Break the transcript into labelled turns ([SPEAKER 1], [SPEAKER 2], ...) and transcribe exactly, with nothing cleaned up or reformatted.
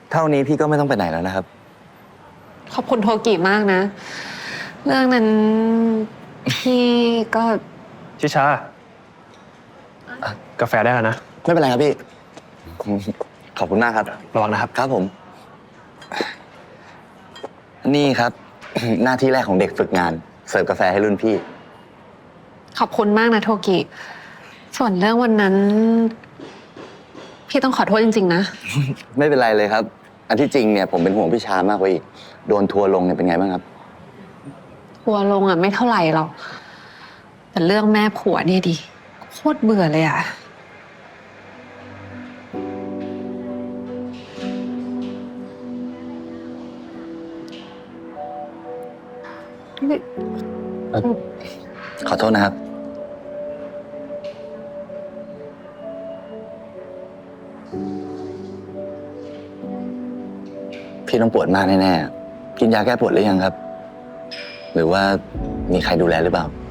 [SPEAKER 1] เท่านี้พี่ก็ไม่ต้องไปไหนแล้วนะครับ
[SPEAKER 2] ขอบคุณโทกิมากนะ เรื่องนั้นพี่ก็
[SPEAKER 3] ชิชา กาแฟได้แล้วนะ
[SPEAKER 1] ไม่เป็นไรครับพี่ขอบคุณมากครับ
[SPEAKER 3] ระวังนะครับ
[SPEAKER 1] ครับผมนี่ครับ หน้าที่แรกของเด็กฝึกงานเสิร์ฟกาแฟให้รุ่นพี่
[SPEAKER 2] ขอบคุณมากนะโทกิส่วนเรื่องวันนั้น พี่ต้องขอโทษจริงๆนะ
[SPEAKER 1] ไม่เป็นไรเลยครับอันที่จริงเนี่ยผมเป็นห่วงพี่ชามากกว่าอีกโดนทัวร์ลงเนี่ยเป็นไงบ้างครับ
[SPEAKER 2] ทัวร์ลงอ่ะไม่เท่าไหร่หรอกแต่เรื่องแม่ผัวเนี่ยดิโคตรเบื่อเลยอ่ะ
[SPEAKER 1] ขอโทษนะครับพี่ต้องปวดมากแน่ๆกินยาแก้ปวดหรือยังครับหรือว่ามีใครดูแลหรือเปล่า